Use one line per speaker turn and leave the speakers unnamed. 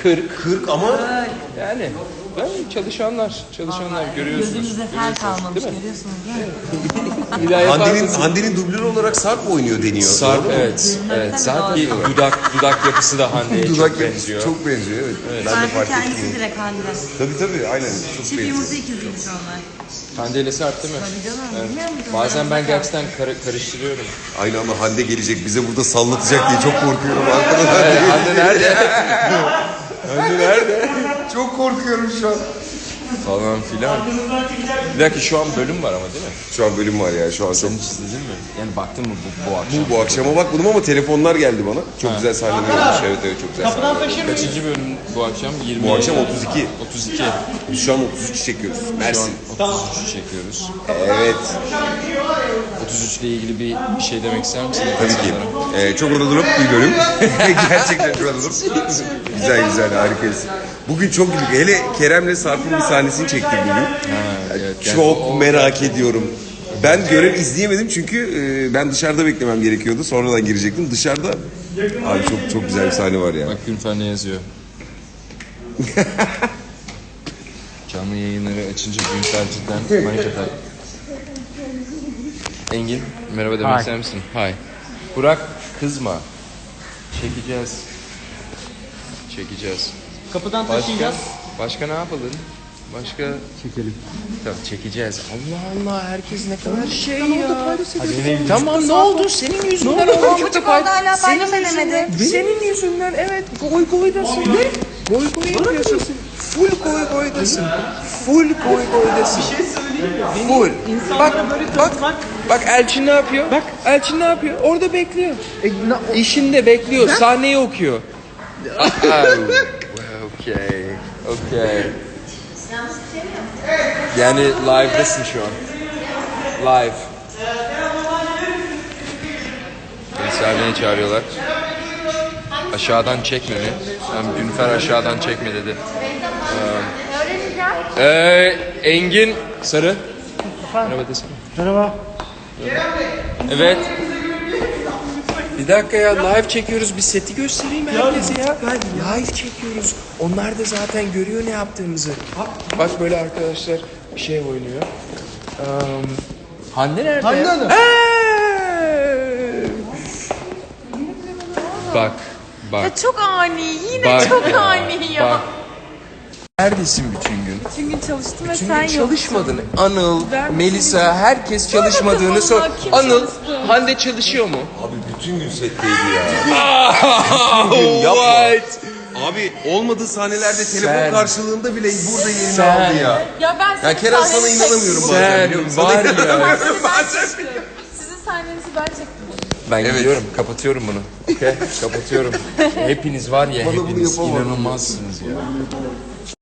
40 ama
Yani çalışanlar görüyorsunuz.
Gözünüzde fel kalmamış, görüyorsunuz değil mi?
İlahi
Hande'nin dublörü olarak Sarp oynuyor deniyor.
Sarp, evet. Zaten bir dudak yapısı da Hande'ye çok benziyor.
Çok benziyor, evet. Ben de
Sadece
fark
kendisi
ettim.
direkt Hande.
Tabii aynen çok
Çift
benziyor.
yumurta ikiziymiş onlar.
Hande ile Sarp değil mi?
Tabii canım,
Evet.
bilmiyor musun?
Bazen ben gerçekten karıştırıyorum.
Aynı ama Hande gelecek bize burada sallatacak diye çok korkuyorum arkadaşlar.
Hande nerede? Hande nerede?
Çok korkuyorum şu an.
Falan filan. Bir dakika, şu an bölüm var ama değil mi?
Şu an bölüm var ya şu an çok.
Sen hiç izledin mi? Yani baktın mı bu akşam?
Bu akşama bakmadım ama telefonlar geldi bana. Çok güzel sahneler olmuş. Evet çok güzel sahneler.
Kaçıncı bölüm bu akşam? 20.
Bu akşam 32.
32.
Biz şu an 33 çekiyoruz.
Şu an
Mersin.
33'ü çekiyoruz.
Evet.
33 ile ilgili bir şey demek ister misin?
Tabii ki. Çok oralıp bir bölüm. Gerçekten çok oralıp. Güzel harikayız. Bugün çok güldük. Hele Kerem'le Sarp'ın bir sahnesini çektik bugün.
Evet,
Çok merak ediyorum. Ben görev izleyemedim çünkü ben dışarıda beklemem gerekiyordu. Sonradan girecektim. Dışarıda abi çok güzel bir sahne var ya.
Bak Günfer ne yazıyor? Canlı yayınları açınca Günfer cidden manitalar. Engin, merhaba demek ister misin? Hi. Burak, kızma. Çekeceğiz.
Kapıdan taşıyacağız.
Başka ne yapalım? Başka... Çekelim. Tamam, çekeceğiz. Allah Allah, herkes ne kadar şey ya. Tamam, ne oldu? Senin yüzünden oldu.
Çocuk orada hala paylaş edemedi.
Senin yüzünden, evet. Goydasın. Ne? Goy yapıyorsun. Full goydasın. Full goydasın. Bir şey söyleyeyim mi? Full. Bak Elçin ne yapıyor? Elçin ne yapıyor? Orada bekliyor. İşinde bekliyor. Sahneyi okuyor. Okay. Yani live'dasın şu an. Live. Beni sahneye çağırıyorlar. Aşağıdan çekme mi? Günfer aşağıdan çekme dedi. Engin Sarı. Merhaba desene.
Merhaba.
Evet. Bir dakika ya, live çekiyoruz. Bir seti göstereyim herkese ya. Live çekiyoruz. Onlar da zaten görüyor ne yaptığımızı. Bak böyle arkadaşlar bir şey oynuyor. Hande nerede?
Hande Hanım.
Bak.
Ya çok ani, yine
Bak
çok
ya,
ani ya.
bak. Neredesin bütün gün?
Bütün gün çalıştım ve
Bütün
sen
gün
yoksun.
çalışmadın. Anıl,
Ben
Melisa, herkes çalışmadığını
Allah,
sor.
kim
Anıl,
çalıştı?
Hande çalışıyor mu?
Abi bütün gün setteydi ya. Bütün gün yapma.
What?
Abi olmadığı sahnelerde telefon
Sen-
karşılığında bile burada yerini
Sen-
aldı ya.
Ya ben
Ya
sizin
Kerem sana
sahnenizi
inanamıyorum
çektim.
bazen biliyor musun?
Sen var ya.
Sizin sahnenizi ben çektim.
Ben gidiyorum, kapatıyorum bunu. Okay, kapatıyorum. Hepiniz var ya,
Bana bunu
hepiniz
yapamadım.
inanılmazsınız ya.